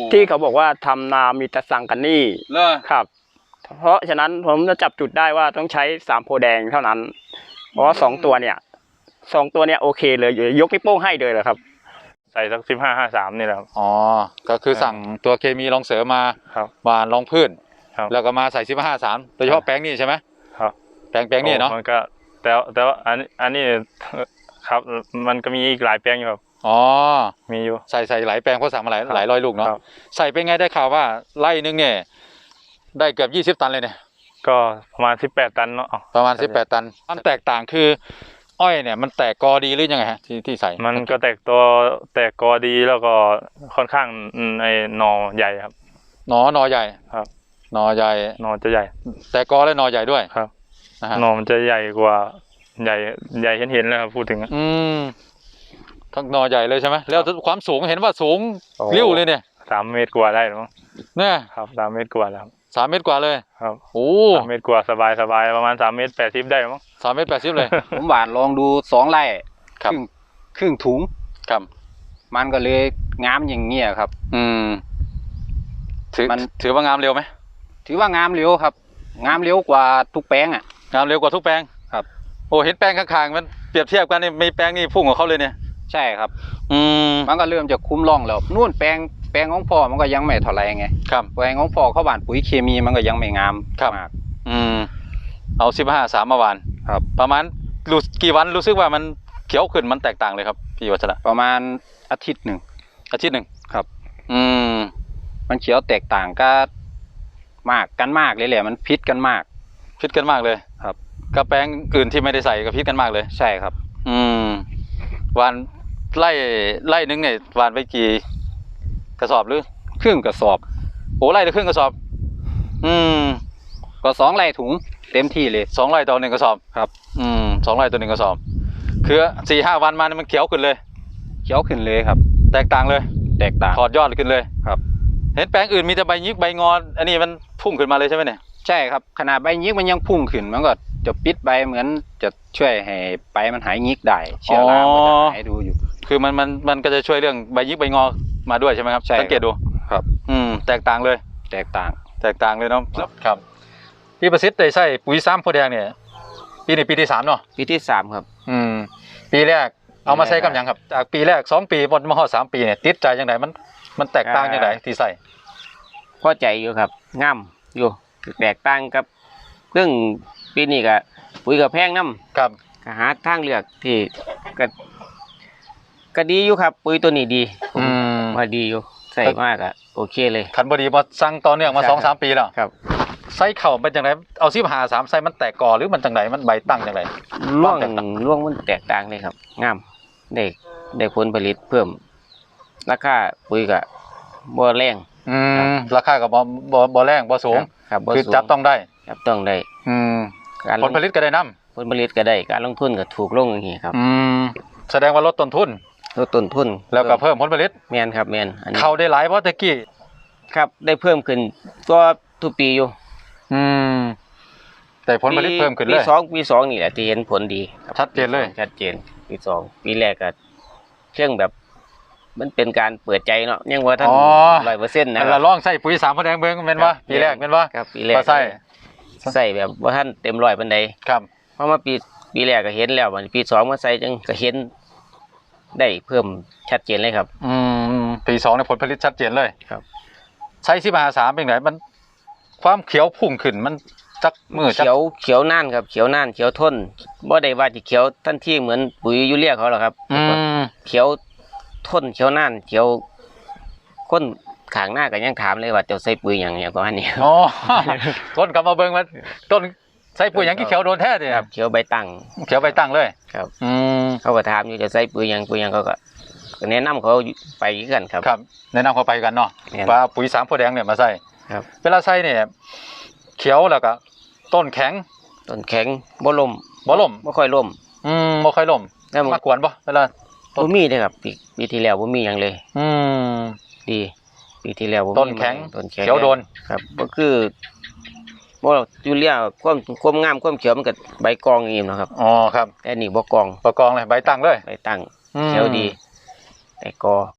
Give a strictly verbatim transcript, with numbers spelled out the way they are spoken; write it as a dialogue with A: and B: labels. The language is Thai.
A: ที่เขาบอกว่าทำนามีแต่สั่งกันนี่ครับ เพราะฉะนั้นผมจะจับจุดได้ว่าต้องใช้สามโพแดงเท่านั้นเพราะว่าสองตัวเนี่ยสองตัวเนี่ยโอเคเลยยกนิ้วโป้งให้เลยเลยครับ
B: ใส่สักสิบห้าห้าสามนี่แหละครับ
C: อ๋อก็คือสั่งตัวเคมีรองเสริมมา
B: ครับ
C: หวานรองพืช
B: ครับ
C: แล้วก็มาใส่สิบห้าห้าสามโดยเฉพาะแปลงนี้ใช่ไหม
B: ครับ
C: แปลงแปลงนี้เนาะ
B: มันก็แต่แต่ว่าอันอันนี้ครับมันก็มีอีกหลายแปลงอยู่ครับ
C: อ๋อ
B: มีอยู่
C: ใส่ใส่หลายแปลงเพราะสั่งมาหลายหลายร้อยลูกเนาะใส่เป็นไงได้ข่าวว่าไร่นึงเนี่ยได้เกือบยี่สิบตันเลยเนี่ย
B: ก็ประมาณสิบแปดตันเนาะ
C: ประมาณสิบแปดตันมันแตกต่างคืออ้อยเนี่ยมันแตกกอดีหรือยังไงฮะที่ที่ใส่
B: มันก็แตกตัวแตกกอดีแล้วก็ค่อนข้างในหน่อใหญ่ครับ
C: หนอหนอใหญ่
B: ครับ
C: หนอใหญ่
B: หน่อจะใหญ่
C: แต่กอและหนอใหญ่ด้วย
B: ครับหน่อมันจะใหญ่กว่าใหญ่ใหญ่เห็นเห็นเลยครับพูดถึง
C: อืมทั้งหนอใหญ่เลยใช่ไหมแล้วความสูงเห็นว่าสูงริ้วเลยเนี่ย
B: สามเมตรกว่าได้หรือมั้ง
C: เนี่ย
B: ครับสามเมตรกว่าแล้ว
C: สามเมตรกว่าเลย
B: ครับ
C: โอ้
B: สามเมตรกว่าสบายสบายประมาณสามเมตรแปดสิบได้มั้ง
C: สามเมตรแปดสิบเลย
D: ผมหวานลองดูสองไร่ครึ่งครึ่งถุง
C: ครับ
D: มันก็เลยงามอย่างเงี้ยครับ
C: อืมถือมันถือว่างามเร็วไหม
D: ถือว่างามเร็วครับงามเร็วกว่าทุกแปลงอ่ะ
C: งามเร็วกว่าทุกแปลง
D: ครับ
C: โอ้เห็นแปลงข้างๆมันเปรียบเทียบกันนี่มีแปลงนี่พุ่งของเขาเลยเนี่ย
D: ใช่ครับ
C: อืม
D: มันก็เริ่มจะคุ้มร่องแล้วนู่นแปลงแปลงของพ่อมันก็ยังไม่เท่าไรไง
C: ครับ
D: แปลงของพ่อเขาหว่านปุ๋ยเคมีมันก็ยังไม่งาม
C: มากอืมเอาสิบห้าสามมาหวาน
D: ครับ
C: ประมาณรู้กี่วันรู้สึกว่ามันเขียวขึ้นมันแตกต่างเลยครับพี่วัชระ
D: ประมาณอาทิตย์หนึ่ง
C: อาทิตย์หนึ่ง
D: ครับ
C: อืม
D: มันเขียวแตกต่างก็มากกันมากเลยแหละมันพิษกันมาก
C: พิษกันมากเลย
D: ครับ
C: กระแปลงอื่นที่ไม่ได้ใส่ก็พิษกันมากเลย
D: ใช่ครับ
C: อืมหวานไล่ไล่นึงเนี่ยหวานไปกี่กระสอบหรือ
D: ครึ่งกระสอบ
C: โอ้ไล่ละครึ่งกระสอบอืม
D: ก็สองไร่ถุงเต็มที่เลย
C: สองไร่ต่อหนึ่งกระสอบ
D: ครับ
C: อืมสองไร่ต่อหนึ่งกระสอบคือสี่ห้าวันมามันเขียวขึ้นเลย
D: เขียวขึ้นเลยครับ
C: แตกต่างเลย
D: แตกต่าง
C: ถอดยอดขึ้นเลย
D: ครับ
C: เห็นแปลงอื่นมีแต่ใบยิกใบงอนอันนี้มันพุ่งขึ้นมาเลยใช่ไหมเนี่ย
D: ใช่ครับขนาดใบยิกมันยังพุ่งขึ้นมันก็จะปิดใบเหมือนจะช่วยให้ใบมันหายยิกได้เชื้อรามันจะหายดูอยู่
C: คือมันมันมันก็จะช่วยเรื่องใบยิกใบงอมาด้วยใช่ไหมครับสังเกตดู
D: ครับ
C: อืมแตกต่างเลย
D: แตกต่าง
C: แตกต่างเลยเนาะครับพี่ประสิทธิ์ได้ใส่ปุ๋ยซ้ำโพแดงเนี่ยปีนี้ปีที่สามเนาะ
D: ปีที่สามครับ
C: อืมปีแรกเอามาใช้กับยังครับจากปีแรกสองปีบนมาหอดสามปีเนี่ยติดใจยังไงมันมันแตกต่างยังไงที่ใส่
D: พอใจอยู่ครับงามอยู่แตกต่างกับเรื่องปีนี้ก็ปุ๋ยกับแพงน้ำ
C: ครับ
D: หาทางเลือกที่ก็ก็ดีอยู่ครับปุ๋ยตัวนี้ดี
C: อืม
D: มาดีอยู่ใส่มากอะโอเคเลย
C: ขันบดีมาสั่งต่อเนื่องมาสองสามปีแล้ว
D: ครับ
C: ไส้เข่าเป็นจังไรเอาซิบหาสามไส้มันแตกกอหรือมันจังไรมันใบตั้งจังไร
D: ร่วงร่วงมันแตกต่างเลยครับงามได้ได้ผลผลิตเพิ่มราคาปุ๋ยกับบ่แรง
C: อืมราคากับบ่บ่บ่แรงบ่สูงคือจับต้องได้
D: จับต้องได้
C: อืมผลผลิตก็ได้น้
D: ำผลผลิตก็ได้การลงทุนก็ถูกลงอย่างนี้ครับ
C: อืมแสดงว่าลดต้นทุน
D: ลดต้นทุน
C: แล้วก็เพิ่มผลผลิต
D: แมนครับแมน
C: เขาได้หลายเพราะตะกี้
D: ครับได้เพิ่มขึ้นก็ทุกปีอยู่
C: อืมแต่ผลผลิตเพิ่มขึ้นเลย
D: ปีสองปีสองนี่แหละที่เห็นผลดี
C: ชัดเจนเลย
D: ชัดเจนปีสองปีแรกก็เครื่องแบบมันเป็นการเปิดใจเนาะยังว่าท่านร้อยเปอร์เซ็นต์นะ
C: เราลองใส่ปุ๋ยสามโพแดงเบิ้งเป็นว่าปีแรกเป็นว่า
D: ครับปีแรก
C: ใส่
D: ใส่แบบว่าท่านเต็มร้อยเป็นใด
C: ครับ
D: เพราะว่าปีปีแรกก็เห็นแล้วปีสองมาใส่จังก็เห็นได้เพิ่มชัดเจนเลยครับ
C: อืมปีสองในผลผลิตชัดเจนเลย
D: ครับ
C: ใช้สิบหาสามเป็นไงมันความเขียวพุ่งขึ้นมันจักมือ
D: เขียวเขียวน่านครับเขียวน่านเขียวทนบ่ได้ว่าจะเขียวทันทีเหมือนปุ๋ยยูเรียเขาหรอกครับเขียวทนเขียวน่านเขียวข้นขางหน้าก็ยังถามเลยว่าจะใส่ปุ๋ยอย่างเงี้ยประมาณนี้
C: อ๋อต้นกลับมาเบิ่งมันต้นใส่ปุ๋ยอย่างที่เขียวโดนแท้เนี่ย
D: ครับเขียวใบตั้ง
C: เขียวใบตั้งเลย
D: ครับอืมเขาก็ถามอยู่จะใส่ปุ๋ยอย่างปุ๋ยอย่างเขาก็แนะนำเขาไปกันครับ
C: ครับแนะนำเขาไปกันเนาะว่าปุ๋ยสามโพแดงเนี่ยมาใส่
D: ครับ
C: เวลาใส่เนี่ยเขียวแล้วก็ต้นแข็ง
D: ต้นแข็งบ่ล่ม
C: บ่ล่ม
D: บ่ค่อยล่ม
C: อืมบ่ค่อยล่มมากวนบ่เวลา
D: บ่มีเลยครับปีปีที่แล้วบ่มีอย่างเลย
C: อืม
D: ดีปีที่แล้วบ่มี
C: ต้นแข็งเขียวโดน
D: ครับก็คือบ่ยูเรียความความงามความเขียวมันก็ใบกองอย่างนี้นะครับ
C: อ๋อครับ
D: แต่นี่บ่กอง
C: บ่กองเลยใบตั้งเลย
D: ใบตั้งเขียวดีแต่กอ